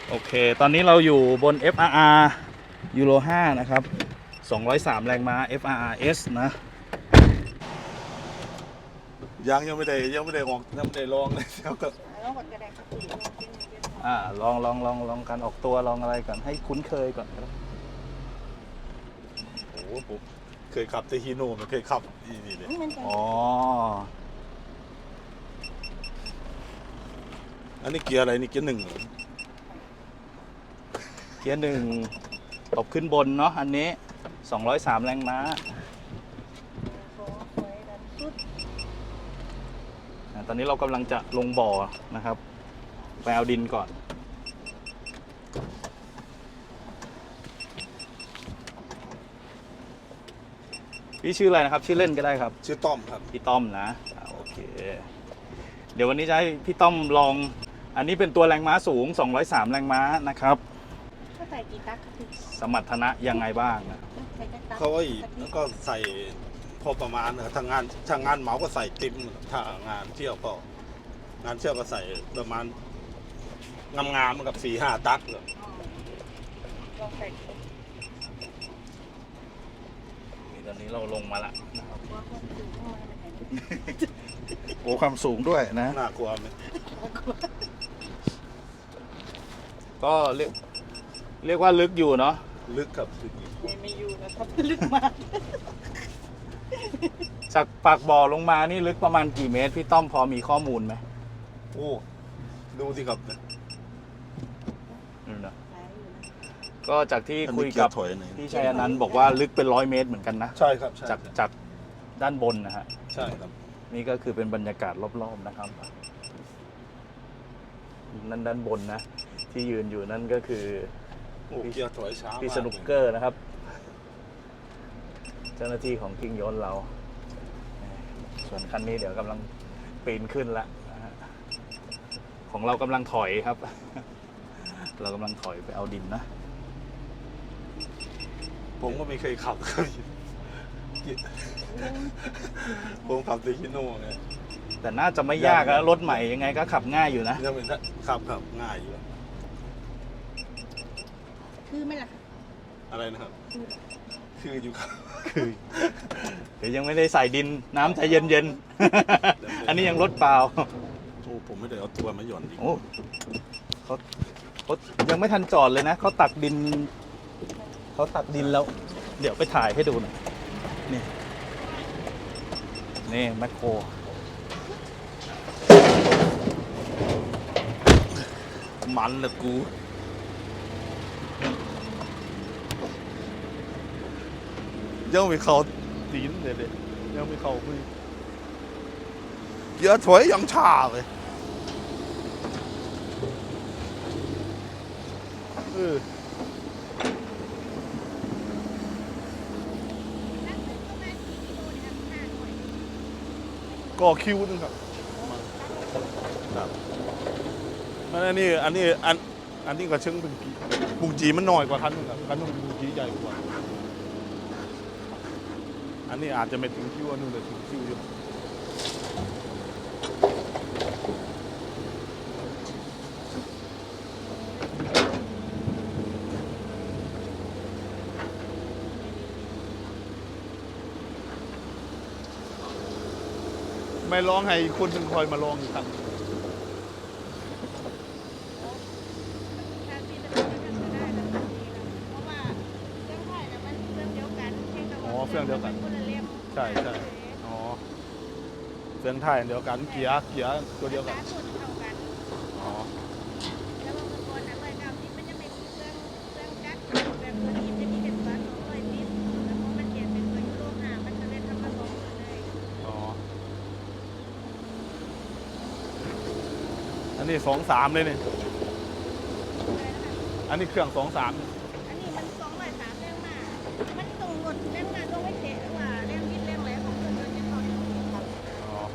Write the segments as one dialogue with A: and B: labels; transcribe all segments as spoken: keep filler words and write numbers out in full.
A: โอเคตอนนี้เราอยู่บน เอฟ อาร์ อาร์ ยูโรห้านะครับสองร้อยสามแรงม้า เอฟ อาร์ อาร์ เอส นะ
B: ยังยังไม่ได้ยังไม่ได้ออกยังไม่ได้ลองเลยเดี๋ยวก็
C: ลองก่อนก็ได้ครับพี่ลองเป็นเป็น
A: อ่าลองลองลองลองการออกตัวลองอะไรก่อนให้คุ้นเคยก่อนครับ
B: โอ้โหผมเคยขับแต่ฮีโน่ไม่เคยขับอีนี่เลย
C: มันจะ
A: อ๋อ
B: อันนี้เกียร์อะไรนี่เกียร์หนึ่งเหรอ
A: เกียร์หนึ่งตบขึ้นบนเนาะอันนี้สองร้อยสามแรงม้า
C: ขอคอยดันสุด
A: อ่าตอนนี้เรากำลังจะลงบ่อนะครับไปเอาดินก่อนพี่ชื่ออะไรนะครับชื่อเล่นก็ได้ครับ
B: ชื่อต้อมครับ
A: พี่ต้อมนะอ่าโอเคเดี๋ยววันนี้จะให้พี่ต้อมลองอันนี้เป็นตัวแรงม้าสูงสองร้อยสามแรงม้านะครับ
C: ก็ใส่กี่ตักครับพี่
A: สมรรถนะยังไงบ้างนะ
C: ใส่กี่ตัก
B: เขาไอ้แล้วก็ใส่พอประมาณนะทางงานทางงานเหมาก็ใส่ติมถ้างานเที่ยวก็งานเที่ยวก็ใส่ประมาณงามๆกับสี่ห้าตักเลย
C: ลองใส่
A: นี่ตอนนี้เราลงมาละนะครับ
C: ว่าคนสูงมากเลย
A: โอ้ความสูงด้วยนะ
B: น่ากลัวไหม
A: ก็เรียกเรียกว่าลึกอยู่เนาะ
B: ลึกครับลึก
C: ไม่ไม่อยู่นะครับลึกมาก
A: จากปากบ่อลงมานี่ลึกประมาณกี่เมตรพี่ต้อมพอมีข้อมูลไหม
B: โอ้ดูสิครับ
A: อืมนะ
C: หลายอยู่นะ
A: ก็จากที่
B: อัน
A: คุ
B: นี้
A: ย
B: เกีย
A: กับ
B: ร์ถอยไหน
A: พี่ชัยอนันต์บอกว่าลึกเป็นร้อยเมตรเหมือนกันนะ
B: ใช่ครับใช่
A: จากจากด้านบนนะฮะ
B: ใช่ครับ
A: นี่ก็คือเป็นบรรยากาศรอบๆนะครับนั่นด้านบนนะที่ยืนอยู่นั่นก็คือ
B: โอ้เกียร์ถอยช้า
A: พี่
B: มาก
A: สนุกเกอร์นะครับ เจ้าหน้าที่ของกิ้งยนต์เรา ส่วนคันนี้เดี๋ยวกำลังปีนขึ้นแล้วนะฮะของเรากำลังถอยครับ เรากำลังถอยไปเอาดินนะ
B: ผมก็ไม่เคยขับครับผมขับแต่ฮีโน่ไง
A: แต่น่าจะไม่ยากนะรถใหม่ยังไงก็ขับง่ายอยู่นะ
B: ยังเป็นขับขับง่ายอยู่
C: คือไหม่ล่ะ
B: อะไรนะครับ คืออยู่ครับ
A: คือเดี๋ยวยังไม่ได้ใส่ดินน้ำใจเย็นๆ อันนี้ยังรถเปล่า
B: โอ้ผมไม่ได้เอาตัวมาหย่อนดิ
A: โอ้เขาเขายังไม่ทันจอดเลยนะเขาตักดินเขาตักดินแล้ว เดี๋ยวไปถ่ายให้ดูหน่อยนี่นี่แมคโคร
B: มันเลยกูยังไม่เข้าตีนเลยเลยยังไม่เข้ามือเกียร์ถอยยังช้าเลยเออก็คิวนึงครับครับอันนี้อันนี้อันอันนี้ก็เชิงบุงจีบุงจีมันน้อยกว่าคันนึงครับคันนึงบุงจีใหญ่กว่าอันนี้อาจจะไม่ถึงคิวอันนึงแต่ถึงคิวอยู่ไม่ร้องให้คนหนึ่งคอยมาลองอีกครั้ง
C: ถ้าพี่จะเป็นก็ทำได้แล้วเพราะว่าเครื่องไถ่นะมันเครื่องเดียวกันเพียงแต่ว่า
B: อ๋อเครื่องเดียวกัน
C: คนละเล่ม
B: ใช่ใช่ อ๋อเฟืองไทยอันเดียวกันเกียร์เกียร์ตัวเดียวกัน
C: การสูตรเท่ากัน
B: อ๋อ
C: แล้วบางคนนะร้อยเก้าสิบมันจะไม่มีเครื่องเครื่องจักรแบบตัวนี้จะมีแต่ตัวสองร้อยสิบแล้วพอมันเปลี่ยนเป็นตัวยูโรห้ามันจะเลยทำมาสองหมดเลย
B: อ๋ออันนี้สองสามเลยเนี่ยอันนี้เครื่องสองสาม
C: อันนี้มันสองร้อยสามแรงมา มันตรงหมดแรงมาตรงไม่เทะว่าแรงบิดแรงแรงของเครื่องยนต์จะเข้าอยู่ครับ
B: อ๋อ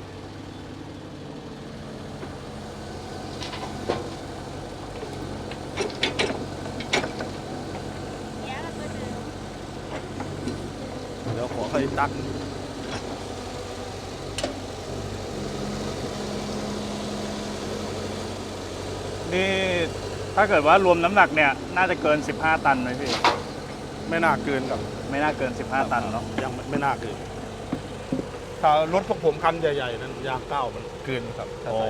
B: เดี๋ยวขอให้ตัก
A: นี่ถ้าเกิดว่ารวมน้ำหนักเนี่ยน่าจะเกินสิบห้าตันไหมพี่
B: ไม่น่าเกินครับ
A: ไม่น่าเกินสิบห้าตันเนาะ
B: ยังไม่ไม่น่าเกินถ้ารถพวกผมคันใหญ่ๆนั้นยางเก้ามันเกินครับถ้า
A: อ๋อ
B: ใส่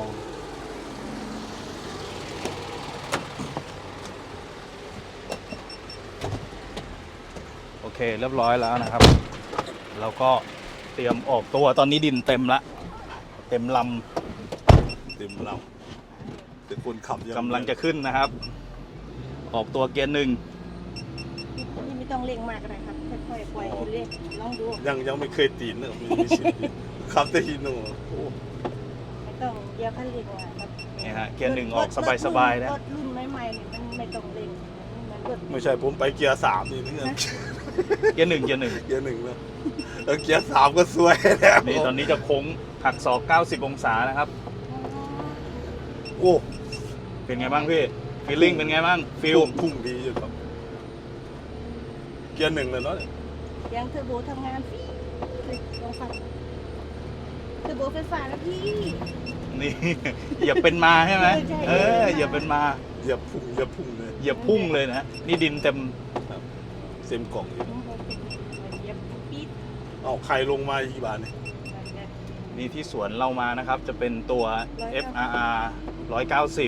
A: โอเคเรียบร้อยแล้วนะครับ เราก็เตรียมออกตัวตอนนี้ดินเต็มละเต็มล
B: เต็มเราแต่คนขับยัง
A: ำกำลังจะขึ้นนะครับ ออกตัวเกียร์หนึ่ง
C: นี่ไม่ต้องเร่งมากก็ได้ครับค่อยๆปล่อยคุณเร่งลองดู
B: ยังยังไม่เคยตีนเลยไม่ไม่ชินขับแต่ฮีโน่โอ้
C: ไม่ต้องเดี๋ยวคันเร่งมาครับ
A: นี่ฮะเกียร์หนึ่งออกสบายๆนะ
C: รถรุ่นใหม่ๆเนี่ยมันไม่ต้องเร่งมันรถ
B: ไม่ใช่ผมไปเกียร์สามนี่เพื่อน
A: เกียร์หนึ่งเกียร์หนึ่ง
B: เกียร์หนึ่งแล้วแล้วเกียร์สามก็สวยแล้ว
A: นี่ตอนนี้จะโค้งหักศอกเก้าสิบองศานะครับ
B: โอ้
A: เป็นไงบ้างพี่ฟีลลิ่งเป็นไงบ้างฟิล
B: พุ่งดีอยู่ครับ เกียร์หนึ่งเลยเนาะ
C: เสียงเทอร์โบทำงานฟี่เลยลองฟังเทอร์โบไฟฟ้าแล้วพี่
A: นี่ อย่าเป็นมาใช่ไหม
C: ใช่
A: เอออย่าเป็นมา
B: เหยียบพุ่งเหยียบพุ่งเลย
A: อย่าพุ่งเลยนะนี่ดินเต็ม
B: เต็มกล่องอยู่
C: เหยียบปี๊ด
B: เอาใครลงมาอีกบาทเนี่ย
A: นี่ที่สวนเรามานะครับ จะเป็นตัว เอฟ อาร์ อาร์ หนึ่งร้อยเก้าสิบ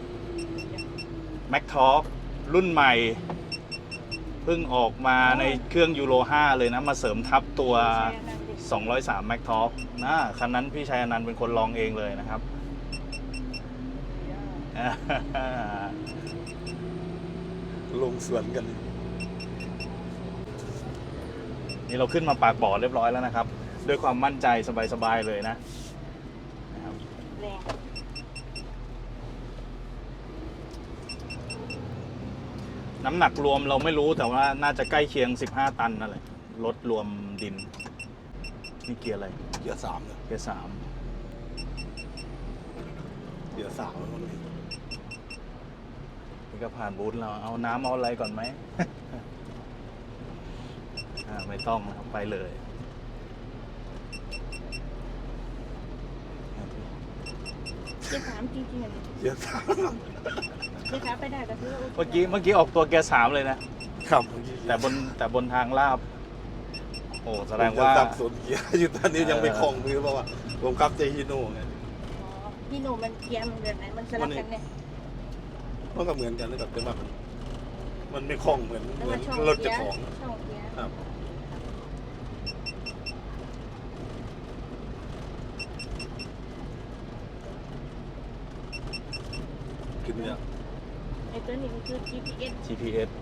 A: Mac Talk รุ่นใหม่ เพิ่งออกมาในเครื่องยูโรห้าเลยนะ มาเสริมทับตัว สองร้อยสาม Mac Talk นะคันนั้นพี่ชัยอนันต์เป็นคนลองเองเลยนะครับ
B: ลงสวนกัน
A: นี่เราขึ้นมาปากบ่อเรียบร้อยแล้วนะครับ ด้วยความมั่นใจสบายๆเลยนะนะครับ
C: แรง
A: น้ำหนักรวมเราไม่รู้แต่ว่าน่าจะใกล้เคียงสิบห้าตันนั่นแหละรถรวมดิน นี่เกียร์อะไร
B: เกียร์สามเนี่ย
A: เกียร์สาม
B: เกียร์สามแล้วมัน
A: นี่ก็ผ่านบูธเราเอาน้ำเอาอะไรก่อนไหม อ่าไม่ต้องนะครับไปเลย
C: เกียร์สามจริงๆอ่ะ
B: เกียร์สาม
C: เกียร์สามไปได้ก็คือว่าโค
A: เมื่อกี้เมื่อกี้ออกตัวเกียร์สามเลยนะ
B: ครับเมื่อกี้
A: แต่บนแต่บนทางลาบ โอ้แสดง
B: ผม
A: ว่า
B: จะสับสนเกียร์อยู่ตอนนี้ยังไม่
A: เออ
B: คล่องมือเพราะว่าผมขับเจฮิโน่ไง
C: อ๋อพี่หนูมันเกียร์มันแบบไหนมันสลับกันเนี่ย
B: มันก็เหมือนกันนะครับแต่ว่ามันมันไม่คล่องเหมือน
C: แล้ว
B: เหมือ
C: มัน นช่อง
B: รถ
C: เกี
B: เจะ
C: ยร์
B: ของ
C: ช่องเกียร์
B: ครับขึ้นเนี่ย
C: ไอ้ตัวนี้มันคือ จี พี เอส
A: จี พี เอส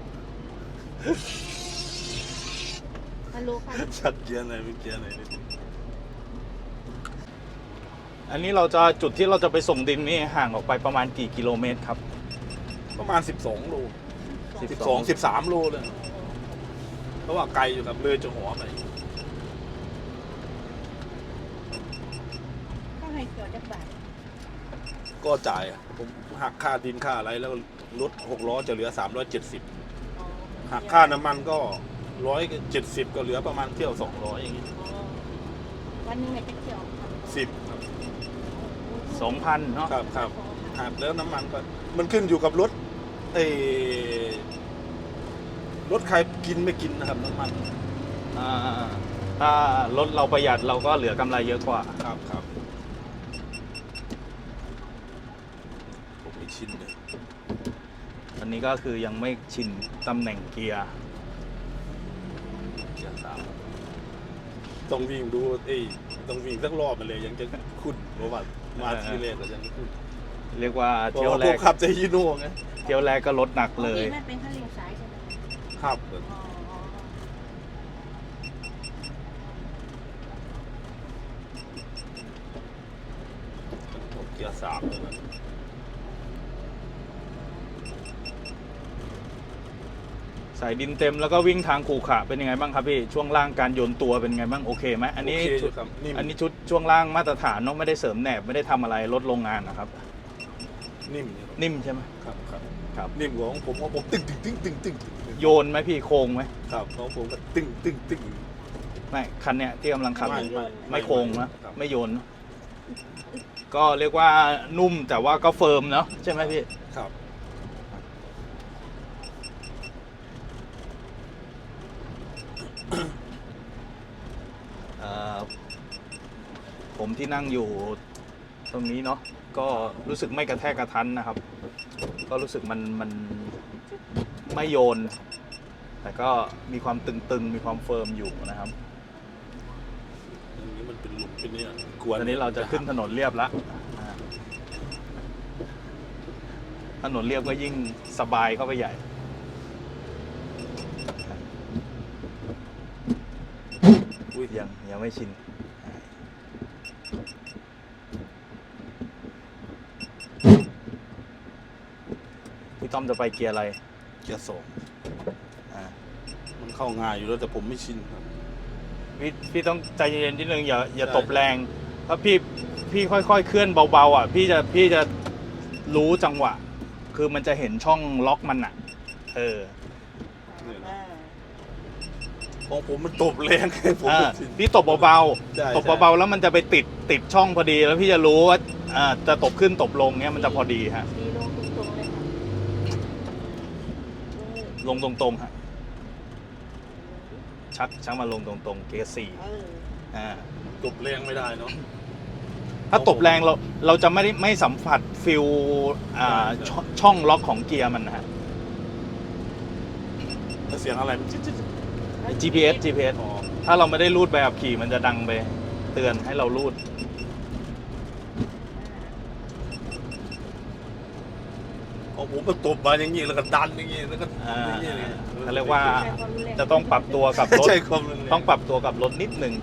C: ฮัลโหลค่ะ
B: ชัดเกียร์ไหนไม่เกียร์ไหนเลย
A: อันนี้เราจะจุดที่เราจะไปส่งดินนี่ห่างออกไปประมาณกี่กิโลเมตรครับ
B: ประมาณสิบสองโล
A: สิ
B: สิ
A: บบ ส
B: ส
A: อ
B: อง งสิบสามโลเลยเพราะว่าไกลอยู่ครับเลยจะหัวไป
C: ถ้าให้เกี่ยวจากบาท
B: ก็จ่ายอะผมหักค่าดินค่าอะไรแล้วรถหกล้อจะเหลือสามร้อยเจ็ดสิบ
C: อ๋อ
B: หักค่าน้ำมันก็ร้อยเจ็ดสิบก็เหลือประมาณเที่ยวสองร้อยอย่างงี้
C: อ๋อวันหนึงเนี่ยจะเกี่ยวครับ
B: สิบครับ
A: สองพันเนาะ
B: ครับครับหักแล้วน้ำมันก็มันขึ้นอยู่กับรถเออรถใครกินไม่กินนะครับน้ำมัน
A: อ่าถ้ารถเราประหยัดเราก็เหลือกำไรเยอะกว่า
B: ครับครับผมไม่ชินเลย
A: อันนี้ก็คือยังไม่ชินตำแหน่งเกียร์
B: เกียร์สามต้องวิ่งดูเอ้ยต้องวิ่งสักรอบมาเลยยังจะคุ้นเพราะว่ามาทีแรกก็ยังไม่คุ้น
A: เรียกว่า
B: เพราะ
A: เที่ยว
B: ว่า
A: แร
B: พว
A: ก
B: กขับเจฮิโน่ไง
A: เที่ยวแรกก็ลดหนักเลย
C: พี่มันเป็นขั้นเรียงสายใช่ไหม
B: ครับ
C: อ๋อ
B: ผมเกียร์สามเลยนะ
A: สายดินเต็มแล้วก็วิ่งทางขรุขระเป็นยังไงบ้างครับพี่ช่วงล่างการโยนตัวเป็นไงบ้างโอเคไหมอันนี้
B: โอเคอ
A: ชุด
B: ยู่ครับนิ่ม
A: อันนี้ชุดช่วงล่างมาตรฐานเนาะไม่ได้เสริมแหนบไม่ได้ทำอะไรลดโรงงานนะครับ
B: นิ่มอยู่ครับ
A: นิ่มใช่ไหม
B: ครับครับ
A: ครับ
B: นิ่มกว่าของผมของผมตึ้งตึ้งตึ้งตึ้งตึ้งตึ้ง
A: โยนไหมพี่โค้งไหม
B: ครับของผมก็ตึ้งตึ้งตึ้ง
A: ไม่คันเนี้ยที่กำลังขับอยู่
B: ไม่
A: ไม่โค้งนะครับ ไม่โยนเนอะก็เรียกว่านุ่มแต่ว่าก็เฟิร์มเนาะใช่ไหมพี่
B: ครับ
A: เอ่อผมที่นั่งอยู่ตรงนี้เนาะก็รู้สึกไม่กระแทกกระทันนะครับ ก็รู้สึกมันมันไม่โยน แต่ก็มีความตึงๆ มีความเฟิร์มอยู่นะครับ
B: อย่างนี้มันเป็นหลุมเป็นเนี่ยกวน
A: ตอนนี้เราจะขึ้นถนนเรียบแล้วอ่าถนนเรียบก็ยิ่งสบายเข้าไปใหญ่
B: อุ้ย
A: ยังยังไม่ชิน พี่ต้อมจะไปเกียร์อะไร
B: เกียร์สอง
A: อ่า
B: มันเข้าง่ายอยู่แล้วแต่ผมไม่ชินครับ
A: พี่พี่ต้องใจเย็นๆนิดนึงอย่าอย่า
B: ใช่
A: ตบแรงเพราะพี่พี่ค่อยๆเคลื่อนเบาๆอ่ะพี่จะพี่จะรู้จังหวะ คือมันจะเห็นช่องล็อกมันอ่ะ เออ
B: เนี่ยนะของผมมันตบแรงไงผม
A: อ่า
B: ไม่ชิน
A: พี่ตบเบา
B: ใช่
A: ๆตบเบาๆแล้วมันจะไปติดติดช่องพอดี แล้วพี่จะรู้ว่าอ่าจะตบขึ้นตบลงเนี้ยมันจะพอดีฮะ
C: ดีลงตรงๆเลยค่ะ
A: ลงตรงๆฮะชักชักมาลงตรงๆเกียร์สี่
C: เออ
A: อ่า
B: ตบแรงไม่ได้เนาะ
A: ถ้าตบแรงเราเราจะไม่ได้ไม่สัมผัสฟิลอ่า
B: ใช่
A: ช่องช่องล็อกของเกียร์มันนะฮะ
B: แล้วเสียงอะไรมันจิ๊ดจิ๊ด
A: จี พี เอส จี พี เอส
B: อ๋อ
A: ถ้าเราไม่ได้รูดใบขับขี่มันจะดังไปเตือนให้เรารูด
B: ของผมมันตบมาอย่างนี้แล้วก็ดันอย่างนี้แล้วก็
A: อ่า
B: อย่างนี้เลย
A: เขาเรียกว่า
C: ใช้ความรุนแรง
A: จะต้องปรับตัวกับรถ
B: ใช่ความรุนแรง
A: ต้องปรับตัวกับรถนิดหนึ่ง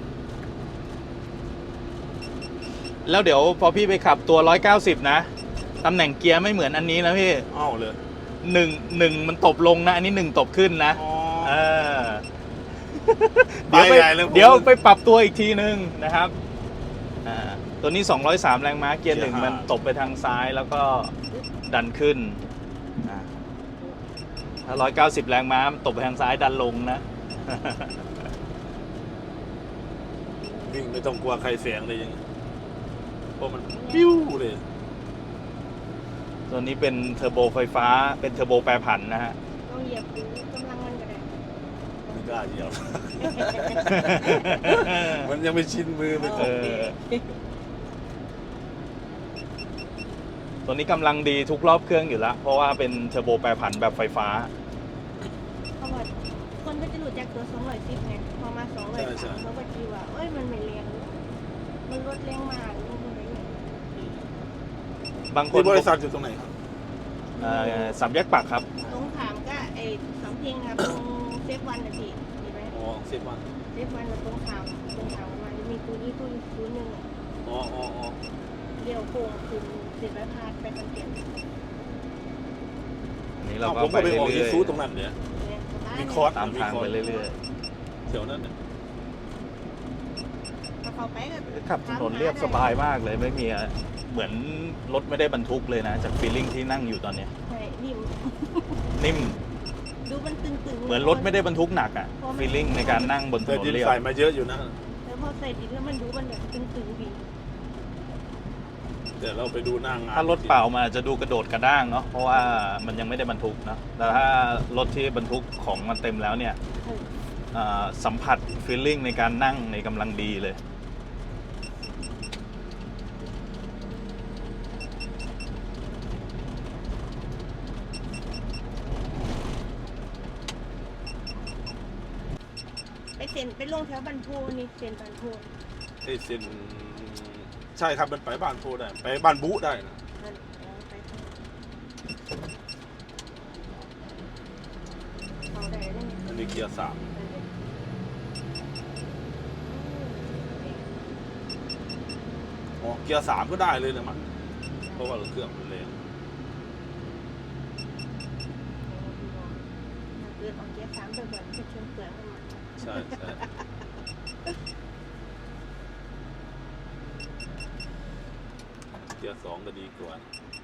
A: แล้วเดี๋ยวพอพี่ไปขับตัวร้อยเก้าสิบนะตำแหน่งเกียร์ไม่เหมือนอันนี้นะพี่
B: อ้าวเลย
A: หนึ่งหนึ่งมันตบลงนะ อันนี้หนึ่งตบขึ้นนะ
B: อ๋อ
A: เออ เดี๋ยวไป
B: ไปใหญ่เลยผม
A: เดี๋ยวไปปรับตัวอีกทีนึงนะครับอ่าตัวนี้สองร้อยสามแรงม้าเกียร์หนึ่ง
B: เกียร์ห้า
A: มันตบไปทางซ้ายแล้วก็ดันขึ้นอ่าถ้าร้อยเก้าสิบแรงม้ามันตบไปทางซ้ายดันลงนะ
B: วิ่งไม่ต้องกลัวใครเสียงเลยยังเพราะมันปิ้วเลย
A: ตัวนี้เป็นเทอร์โบไฟฟ้าเป็นเทอร์โบแปรผันนะฮะ
C: ต้องเหยียบดูกำลังมันก็ได้
B: ไม่กล้าเหยียบ มันยังไม่ชินมือไม่
A: เออ ตัวนี้กำลังดีทุกรอบเครื่องอยู่แล้ว เพราะว่าเป็นเทอร์โบแปรผันแบบไฟฟ้า
C: เพราะว่าคนก็จะรู้จักตัวสองร้อยสิบไงพอมาสองร้อยสามเขาก็คิดว่าเอ้ยมันไม่แรงมันลดแรงมากมันอะไรอย่างเงี้ย
A: บางค
B: ที่
A: น
B: บริษัทอยู่ตรงไหนครับ
A: เอ่อสามแยกปักครับ
C: ตรงถามก็ไอ้สำเพ็งนะครับตรงเซฟวันนะพี่เห็นไหม
B: อ๋อสิบวัน
C: เซฟวันกับตรงถามตรงถามมันมีตัวนี้ตัวอีกตัวหนึ่งอะ
B: อ๋ออ๋ออ๋อ
C: เลี้ยวโค้งคือเสร็จแล้วพาไปคอนเทนต์
A: อันนี้เรา
B: อ้าว
A: ก็
B: ผม
A: ไป
B: ก็ไป
A: เรื่
B: ออกอี
A: อย
B: ซูตรงนั้นเนี่ย
C: เนี่ยสบาย
B: มี
C: เล
B: คอร์ส
C: ย
A: ๆตามทางไปเรื่อย
B: แถวนั้นเนี่ย
C: ถ้าเขาไปก็
A: ๆขับถนนเรียบสบายมากเลยไม่มีอะเหมือนรถไม่ได้บรรทุกเลยนะ จากฟีลลิ่งที่นั่งอยู่ตอนเนี้ย
C: ใช่นิ่ม
A: นิ่ม
C: ดูมันตึงๆ
A: เหมือนรถไม่ได้บรรทุกหนักอะฟีลลิ่งในการนั่งบนถ
B: แต่
A: นน
B: ดิน
A: เรียบ
B: ใส่มาเยอะอยู่นะ
C: แล้วพอใส่ดินแล้วมันดูมันแบบตึงๆดี
B: แต่เราไปดูหน้างาน
A: ถ้ารถเปล่ามันอาจจะดูกระโดดกระด้างเนาะเพราะว่ามันยังไม่ได้บรรทุกเนาะแต่ถ้ารถที่บรรทุกของมันเต็มแล้วเนี่ย
C: เออ
A: อ่าสัมผัสฟีลลิ่งในการนั่งในกำลังดีเลย
C: ไปเซ็นไปลงแถวบันโพนี่เซ็นบันโพ
B: ไอ้เส้นใช่ครับมันไปบ้านโพได้ ไปบ้านบุได้นะ
C: นั่นเอาไปเอาได้ได้ไง
B: อันนี้เกียร์สามอ๋อเกียร์สามก็ได้เลยนะมันเพราะว่าเครื่องมันแรง
C: เกิดออกเกียร์สามบ่อยๆจะชนเปลือกมัน
B: ใช่ใช่เกียร์สองก็ดีกว่า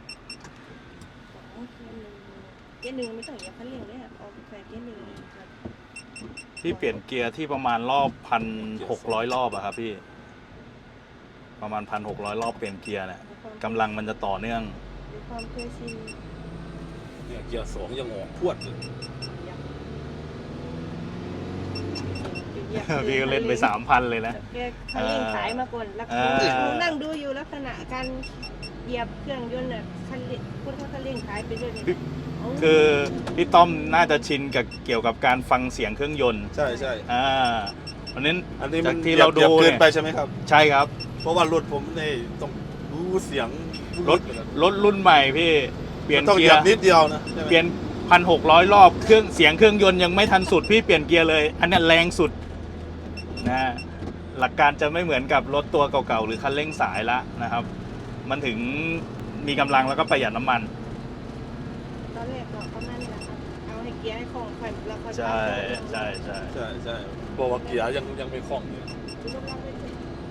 C: เกียร์หนึ่งไม่ต้องเหยียบคันเร่งเลยครับเอาใส่เกียร์หนึ่งครับ
A: ที่เปลี่ยนเกียร์ที่ประมาณรอบพันหกร้อยรอบอะครับพี่ ประมาณพันหกร้อยรอบเปลี่ยนเกียร์เนี่ยกำลังมันจะต่อเนื่อง
C: มีความเคยชิน
B: เนี่ยเกียร์สองยังออกพวดเลย
C: อย่างเหยียบ
A: พี่ก็เล่นไปสามพันเลยนะ
C: แกคันเร่งสายมาก่อนแล้ว
A: เออ
C: ครูนั่งดูอยู่ลักษณะการเหยียบเครื่องยนต์น่ะคันเร่งคุณเขาคันเร่งสายไปด้วยนี่โ
A: คือพี่ต้อมน่าจะชินกับเกี่ยวกับการฟังเสียงเครื่องยนต์
B: ใช่ใช่
A: อ่าเพราะนั้น
B: อันนี้
A: จา
B: มั
A: ก
B: น
A: ที่เราดู
B: หยียบเกิ
A: เนี่
B: น
A: ย
B: ไปใช่ไหมครับ
A: ใช่ครับ
B: เพราะว่ารถผมเนี่ยต้องรู้เสียง
A: รถรถรุ่นใหม่พี่เปลี่ยน
B: ต้องเห
A: เกี
B: ยี
A: ย
B: ยบ
A: ร์
B: นิดเดียวนะใช่ไหม
A: เปลี่ยนพันหกร้อยรอบเครื่องเสียงเครื่องยนต์ยังไม่ทันสุดพี่เปลี่ยนเกียร์เลย อันนี้แรงสุดนะหลักการจะไม่เหมือนกับรถตัวเก่าๆหรือคันเร่งสายละนะครับ มันถึงมีกำลังแล้วก็ประหยัดน้ำมัน
C: ตอนแรกก็ประมาณนี้แหละครับเอาให้เกียร์ให้คล่องค่อยแล้วค่อย
A: ใช่ใช่ใช่
B: ใช่ใช่บอกว่าเกียร์ยังยังไม่คล่องอยู่
C: ดูกำลังไปเถอะ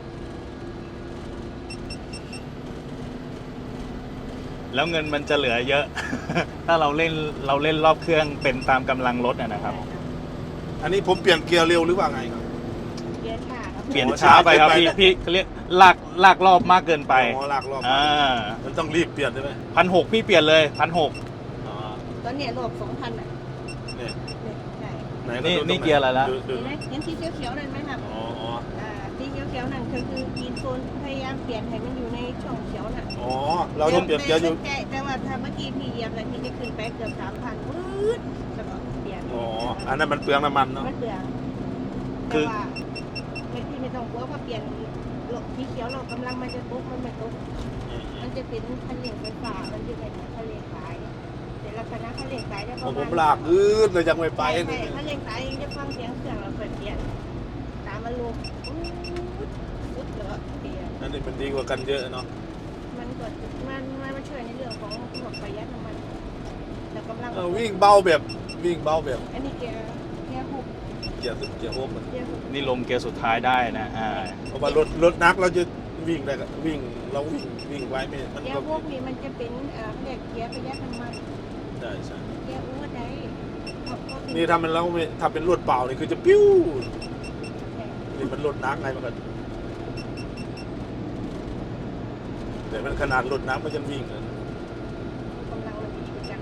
A: แล้วเงินมันจะเหลือเยอะ ถ้าเราเล่นเราเล่นรอบเครื่องเป็นตามกำลังรถนะนะครับ
B: อันนี้ผมเปลี่ยนเกียร์เร็วหรือว่าไงครับ
C: เกียร์ช้าครับ
A: เปลี่ยนช้าไปครับพี่พี่เขาเรียกลากลากรอบมากเกินไป
B: อ๋อลากรอบ
A: อ่า
B: มันต้องรีบเปลี่ยนใช่ไหม
A: พันหกพี่เปลี่ยนเลยพันหก
B: อ๋อ
C: ตอนเนี้ยรอบสองพันอ่ะ
B: เนี่ย
C: เนี่ยใช่
B: ไหน
A: นี่
B: ดูตง
A: นี่
B: ห
A: เกียร์อะไรละ
B: ดูดู
C: เห็นไหมเห็นสีเขียวๆนั่นไหมครับ
B: อ๋ออ๋อ
C: อ่าสีเขียวๆนั่นคือคือกีนโซนพยายามเปลี่ยนให้มันอยู่ในช่องเขียวน่ะ
B: อ๋อเราต้องเปลี่ยนเกียร์อยู่
C: แต่แต่ว่าถ้าเมื่อกี้พี่เหยียบแล้วพี่จะขึ้นไปเกือบสามพันวืดแล้วก็เปลี่ยน
B: อ๋ออันนั้นมันเปลืองน้ำมันเนาะ
C: มันเปลือง
A: คื
C: แต่
A: อ
C: ว่าไม่พี่ไม่ต้องกลัวว่าเปลี่ยนโลกสีเขียวเรากำลังมันจะตกมันไม่ตก
B: อืมอื
C: มั
B: ม
C: นจะเป็นคันเร่งไฟฟ้ามันจะเป็นคันเร่งสายแต่ลักษณะคันเร่งสายจะป
B: ขอ
C: ระ
B: ง
C: มาณ
B: ผมลากอืดเลยยังไม่ไป
C: ใช่
B: เล
C: ใช่
B: ย
C: คันเร่งสายจะฟังเสียงเครื่องเราเปิดเปลี่ยนตามอารมณ์วืดวืดแล้วก็เปลี่ยน
B: อันนี้มันดีกว่ากันเยอะเนาะ
C: มันก็มันมันมาช่วยในเรื่องของพวกประหยัดน้ำมันแต่กำลัง
B: เออวิ่งเบาแบบวิ่งเบาแบบ
C: อันนี้เกียร์เกียร์หก
B: เกียร์สุดเกียร์โฮมอะ
C: เกียร์หก
A: นี่ลงเกียร์สุดท้ายได้นะอ่า
B: เพราะว่ารถรถนักเราจะวิ่งได้ก็วิ่งเราวิ่งวิ่งไว้ไม่มัน
C: เกีย
B: ก็
C: ร์หกนี่มันจะเป็นเอ่อเรียกเกียร์ประหยัดน้ำมัน
B: ใช่ใช่
C: เกียร์อูดได้เขาเขาถึง
B: นี่ถ้ามันเราไม่ถ้าเป็นรถเปล่านี่คือจะปิ้วนี่มันรถนักไงมันก็แต่มันขนาดรถนักมันยังวิ่งเลย
C: กำลังมันดีจัง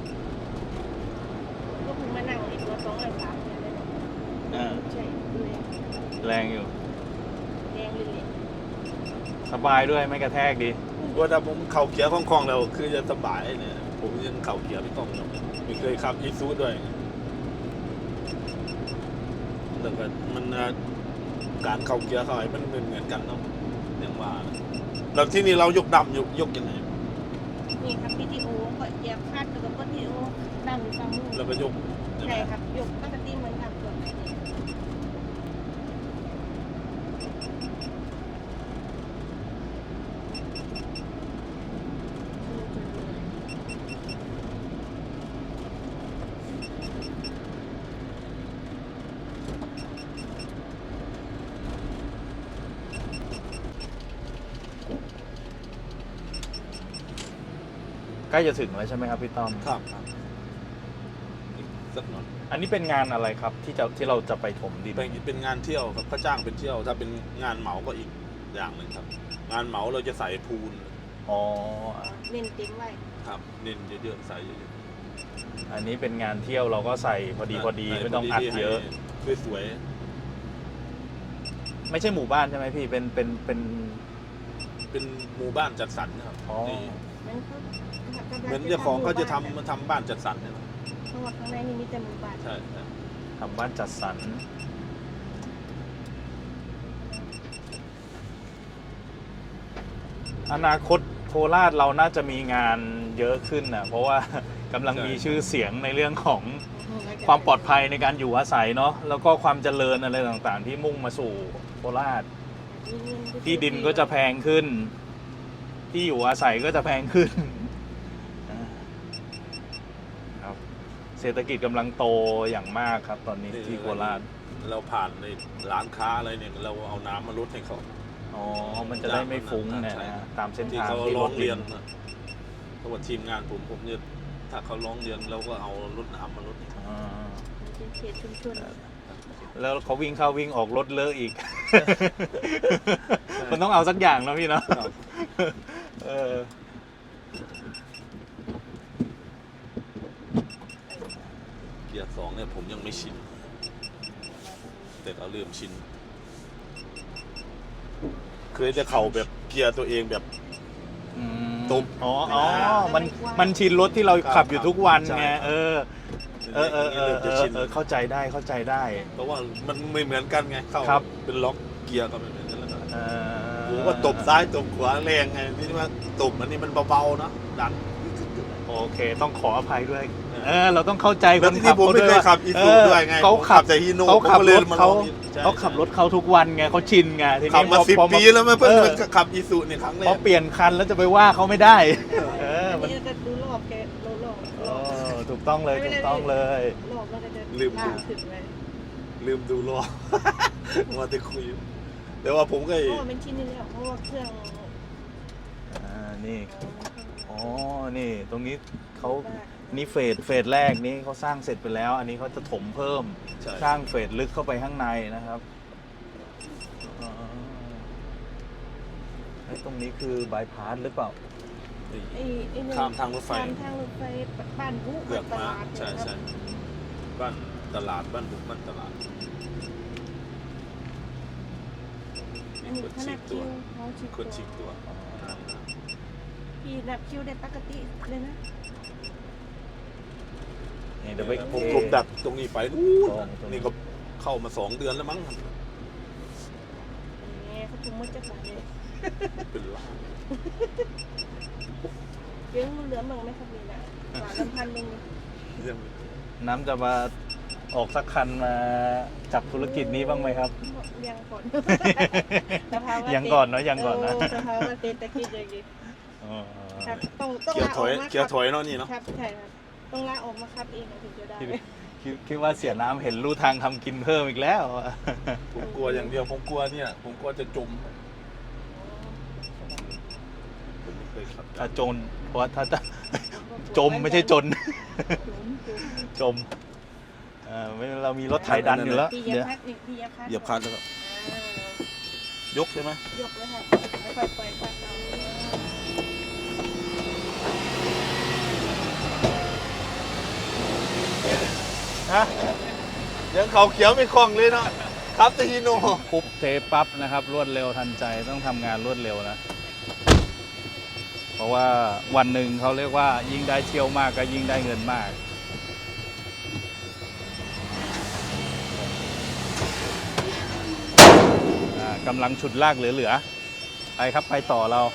C: ก็คุณมานั่งในตัวสองร้อยสามเนี่ยเลย
A: อ่า
C: ใช่เลย
A: แรงอยู่
C: แดงเลยเลย
A: สบายด้วยไม่กระแทกดี
B: ว่าถ้าผมเข่าเกียร์คล่องๆแล้วคือจะสบายเนี่ยผมยังเข่าเกียร์ไม่ต้องเลยไม่เคยขับอีซูด้วยแต่ก็มันเอ่อการเข่าเกียร์เขาไอ้มันเหมือนเหมือนกันเนาะอย่างว่านะแล้วที่นี่เรายกดำยกยกยังไง
C: นี่ครับพีทีโอก็เหยียบคาดแล้วก็พีทีโอดันอยู่ฝั่งนู้น
B: แล้วก็ยกใช่ไหม
C: ใช่ครับยกปกติเหมือนกับส่วนไหนเนี่ย
A: ใกล้จะถึงแล้วใช่ไหมครับพี่ต้อม
B: ครับครับอีกสักหน่อย
A: อันนี้เป็นงานอะไรครับที่จะที่เราจะไปถมดิน
B: เป็นเป็นงานเที่ยวครับเขาจ้างเป็นเที่ยว ถ้าเป็นงานเหมาก็อีกอย่างหนึ่งครับ งานเหมาเราจะใส่พูน
A: อ๋อ
C: เน้นเต็มไว้
B: ครับเน้นเยอะๆใส่เยอะ
A: อันนี้เป็นงานเที่ยวเราก็ใส่พอ
B: ๆ
A: ดีพอดี
B: ใส่
A: ไม่ต้องอัดเยอะ
B: ให้สวย
A: ไม่ใช่หมู่บ้านใช่ไหมพี่เป็นเป็นเป็น
B: ๆเป็นหมู่บ้านจัดสรรนะครับ
A: อ๋อ
B: นี่
C: มันเขากำลัง
B: เหมือนเจ้าของเขาจะทำมาทำบ้านจัดสรรเนี่ยนะ
C: เพราะว่าข้างในนี่มีแต่หมู่บ้าน
B: ใช่ใช่
A: ทำบ้านจัดสรรอนาคตโคราชเราน่าจะมีงานเยอะขึ้นนะเพราะว่ากำลังมีชื่อเสียงในเรื่องของความปลอดภัยในการอยู่อาศัยเนาะแล้วก็ความเจริญอะไรต่างๆ ที่มุ่งมาสู่โคราช ที่ดินก็จะแพงขึ้น ที่อยู่อาศัยก็จะแพงขึ้นครับเศรษฐกิจกำลังโตอย่างมากครับ ตอนนี้ที่โคราช
B: เราผ่านในร้านค้าอะไรเนี่ยเราเอาน้ำมาลดให้เขา
A: อ๋อ มันจะได้ไม่ฟุ้งเนี่ย
B: ใช่
A: นะตามเส้น
B: ที่
A: ทาง
B: เขา
A: ที่
B: ร้
A: ร
B: อ
A: ถ
B: ง
A: ดิ
B: เรียน
A: น
B: นะเพราะว่าทีมงานผมผมเนี่ยถ้าเขาร้องเรียนเราก็เอารถน้ำมาลดให้เขา
A: อ่า
C: เป็นเขตชุมชน
A: แล้วเขาวิ่งเข้าวิ่งออกรถเลอะอีก มันต้องเอาสักอย่างนะพี่เนาะ
B: ครับ
A: เออ
B: เกียร์สองเนี่ยผมยังไม่ชินแต่ก็เริ่มชินเคยจะเข่าแบบเกียร์ตัวเองแบบ
A: อืม
B: ตุ๊บ
A: อ๋ออ๋อมันมันชินรถที่เราขับอยู่ทุกวัน
B: ใช่
A: ไงเออเออเออเออเอ
B: จะ
A: อ
B: ชิน
A: เออเข้าใจได้เข้าใจได้
B: เพราะว่ามันไม่เหมือนกันไงเข้า
A: ครับ
B: เป็นล็อกเกียร์ก็ไม่เหมือนกันแล้วก็
A: เออ
B: ผมก็ตบซ้ายตบขวาแรงไงนี่ว่าตบอันนี้มันเบาๆนะดัน
A: โอเคต้องขออภัยด้วย เออ เราต้องเข้าใจค
B: แล้ว
A: น
B: ที่
A: ขับ
B: ผม
A: เขา
B: ไม่
A: ด้วย
B: เคยขับอีซู
A: เ
B: ด้วยไง
A: เขา
B: ผม
A: ขับ
B: แต่ฮีโน่
A: เขาขับ
B: ผมก็เล
A: ร
B: ย
A: ถ
B: มาล
A: เขา
B: องนี่ใช่
A: เขาขับรถเขาทุกวันไงเขาชินไงที
B: ขับ
A: นี้
B: มา
A: พอ
B: สิบ
A: พอ
B: ปีแล้วไม่เพิ่ง
A: ออ
B: มาขับอีซูนี่ครั้งแร
A: พอก เปลี่ยนคันแล้วจะไปว่าเขาไม่ได้ เออ
C: อัน
A: มัน
C: นี้จะดูรอบแกโลรอบ
A: เอ
C: รอบ
A: อถูกต้องเลยถูกต้องเลย
C: รอบมันก็จะ
B: ลืม
C: ลากถึงเลย
B: ลืมดูรอบ มาแต่คุย แต่ว่าผมก็
C: เพราะว่าเป็นชิ้นนี้แล้วเพราะว่าเครื่อง
A: อ่านี่อ๋อนี่ตรงนี้เขา
C: มาก
A: นี่เฟสเฟสแรกนี้เขาสร้างเสร็จไปแล้ว อันนี้เขาจะถมเพิ่ม
B: ใช่
A: สร้างเฟสลึกเข้าไปข้างในนะครับอ๋อไอ้ตรงนี้คือบายพาสหรือเปล่า
C: ไอ้ไอ้เนี่ย
B: ข้ามทางรถไฟ
C: ข้ามทางรถไฟบ้านผู้
B: เกือก
C: ต
B: มา
C: ลาด
B: ใช่ใช่บ้านตลาดบ้านบุกบ้านตลาด
C: อันนี้ขนาดคิวเขาชิ
B: คนฉีกตัว
C: พี่นับคิวได้ปกติเลยนะ
A: นี่เดี๋ยวไป
B: ผมกลมดักตรงนี้ไปนู่นนี่ก็เข้ามาสองเดือนแล้วมั้ง
C: อย่างเงี้ยเขาจุ่มมืดจะขาดเลย
B: เป็นล้าน
C: เลี้ยงเหลือมึงไหมครับนี่นะหวานลำพันหนึ่ง
B: ยัง
A: น้ำจะมาออกสักคันมาจับธุรกิจนี้บ้างไหมครับ
C: ยังก่อนสภาวะ
A: ยังก่อนเนอะยังก่อนนะ
C: เสภาวะเศรษฐกิจอย่างนี้
A: อ๋อ
C: ครับต้องต้อง
B: เกีย
C: ลา
B: ร์
C: อ
B: ถ
C: อ
B: อก ย
C: มา
B: เกียร์ถอยเนาะนี่เนาะ
C: ครับใช่ครับต้องลาออกมาครับเองถึงจะได้
A: คิดคิดคิดว่าเสียน้ำเห็นลู่ทางทำกินเพิ่มอีกแล้ว
B: ผมกลัวอย่างเดียวผมกลัวเนี่ย ผมกลัวจะจมผมไม่เคยขับ
A: ถ้าจนเพราะว่าถ้าจะ จมไม่ใช่จน จมเออไม่เรามีรถไถดันอยู่แล้ว
C: ปีย
A: เดี๋ยว
C: พัดนี่ปียพัด
B: เหยียบคันแล้วก็
C: อ่าย
B: กใช่ไหม
C: ยกเลยค่ะค่อยๆปล่อยคันเอา
B: ฮะยังเขาเขียวไม่คล่องเลยเนาะครับแต่ฮีโน่
A: ปุ๊บเทปั๊บนะครับ รวดเร็วทันใจต้องทำงานรวดเร็วนะ เพราะว่าวันหนึ่งเขาเรียกว่ายิ่งได้เที่ยวมากก็ยิ่งได้เงินมาก อ่ากำลังฉุดลากเหลือๆไปครับไปต่อเรา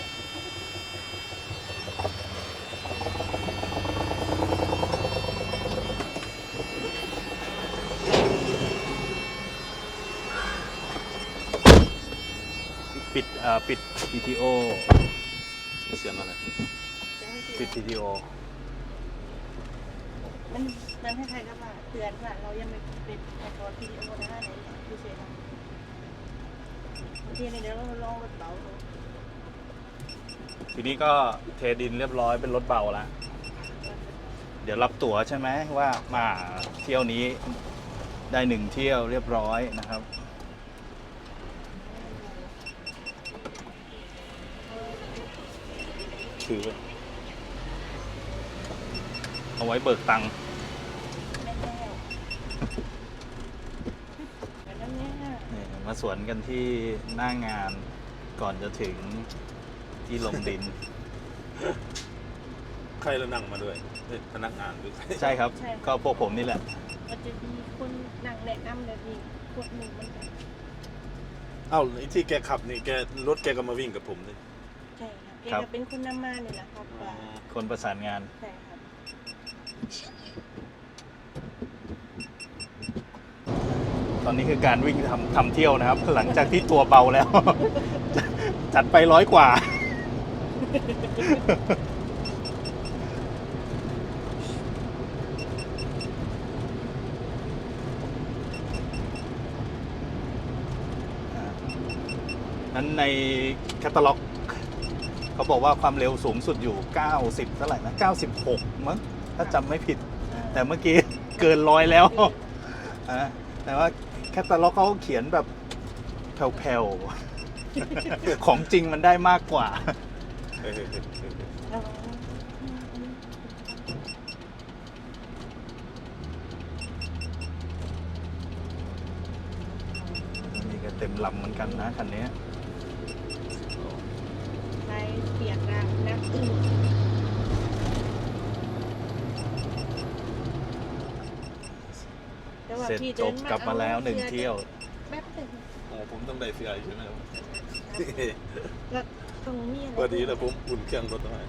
A: ปิดเอ่อปิด พี ที โอ
B: เสียงอะไร
C: จะให้
A: ปิด พี ที โอ
C: มันมันให้ใครก็ว่าเตือนว่าเรายังไม่ปิดไอคอนวิดีโอนะไหนดูเสียงบางทีเนี่ยเดี๋ยวเราลองรถเบาดู
A: ทีนี้ก็เทดินเรียบร้อยเป็นรถเบาแล้ว เดี๋ยวรับตั๋วใช่ไหมว่ามาเที่ยวนี้ได้หนึ่งเที่ยวเรียบร้อยนะครับ
B: ถือไว้
A: เอาไว้เบิกตังค์
C: แม่แก้วแบบนั้นเนี่ย
A: นี่มาสวนกันที่หน้างานก่อนจะถึงที่ลงดิน
B: ใครละนั่งมาด้วยเอ้ยพนักงานหรือใคร
A: ใช่ครับ ก็พวกผมนี่แหละ
C: มันจะมีคนนั่งแนะนำแบบนี้กดหนึ่งมันก็
B: เอ้าไอ้ที่แกขับนี่แกรถแกก็มาวิ่งกับผมนี่
C: ใช่ครับแก
A: ครับ
C: ก็เป็นคนนำมาเนี่ยนะครับว่า
A: คนประสานงาน
C: ใช่ครับ
A: ตอนนี้คือการวิ่งทำทำเที่ยวนะครับ หลังจากที่ตัวเบาแล้ว จัดไปร้อยกว่า นั้นในแคตตาล็อกเขาบอกว่าความเร็วสูงสุดอยู่ เก้าสิบเท่าไหร่นะ เก้าสิบหก มั้งถ้าจำไม่ผิด แต่เมื่อกี้ เกินร้อยแล้ว อ่ะแต่ว่าแคตตาล็อกเขาเขียนแบบแผ่วๆ ของจริงมันได้มากกว่า
B: เฮ้ย
C: ระวัง
A: เต็มลำเหมือนกันนะคันนี้
C: ไปเปียกน้ำน้ำตื้น แต่ว่า
A: เสร็จ
C: พี่
A: จ
C: ดิ
A: บกลับมาแล้วหนึ่งเที่ยว
C: แป๊บหนึง
B: อ๋อผมต้องได้เสียใช่ไหมครับ
C: แล้วตรงนี้อะไร
B: พอดีแล้วผมอุ่นเครื่องรถไว้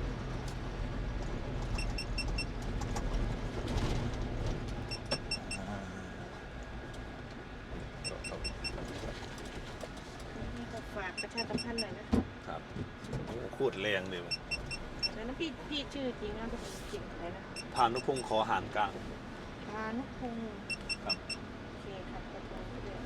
C: นี่ก็ฝากประชาสัมพันธ์หน่อยนะ
B: ครับโอ้โคตรแรงเลย
C: แล้วนะพี่พี่ชื่อจริงนะเป็นจริงอะไรนะ
B: พานุพงศ์ขอหานกลาง
C: พานุพงศ์
B: ครับ
C: โอเคครับขอบคุณด้วย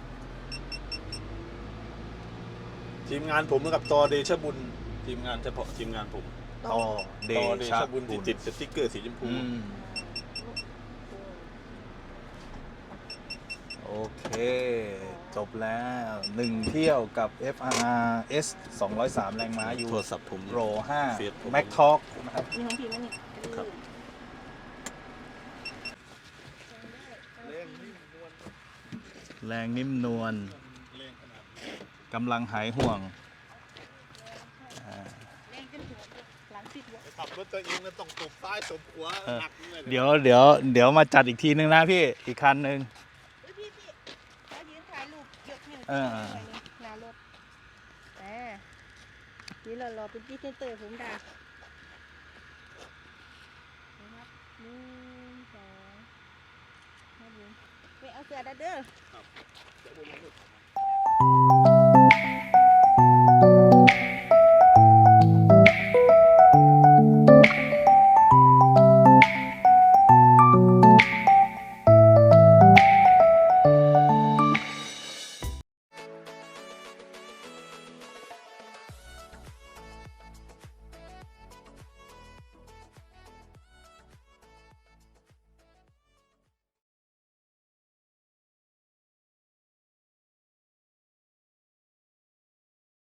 B: ทีมงานผมกับตอเดชบุญทีมงานเฉพาะทีมงานผม
A: ต่อเด
B: ตอเด
A: ชะ
B: ชบุญที่ติดสติ๊กเกอร์สีชมพู
A: อืมโอเค จบแล้วหนึ่งเที่ยวกับ เอฟ อาร์ อาร์ เอส สองร้อยสาม แรงม้าอยู่
B: โทรศัพท์ผม
A: โรห้า
B: เฟซผม
A: Mac Talk นะครับ
C: นี่ของพี่มั้ยนี่
B: ครับ
A: แรงนิ่มนวลกำลังหายห่วงอ่า
C: แรงจนหัวหลังติดหัว
B: ขับรถตัวเองแล้วต้องตบซ้ายตบขวา
A: เออ
B: หนักเลย
A: เดี๋ยวเดี๋ยวเดี๋ยวมาจัดอีกทีนึงนะพี่ อีกคันหนึ่ง
C: เฮ้ยพี่พี่เรายืนถ่ายรูปยกให้
A: เออ
C: หน่อยนึงหน้ารถอ่านี่เรารอเป็นพี่เตอร์ผมด่านะครับหนึ่งสองมาดูไปเอาเสือดัดเด้อ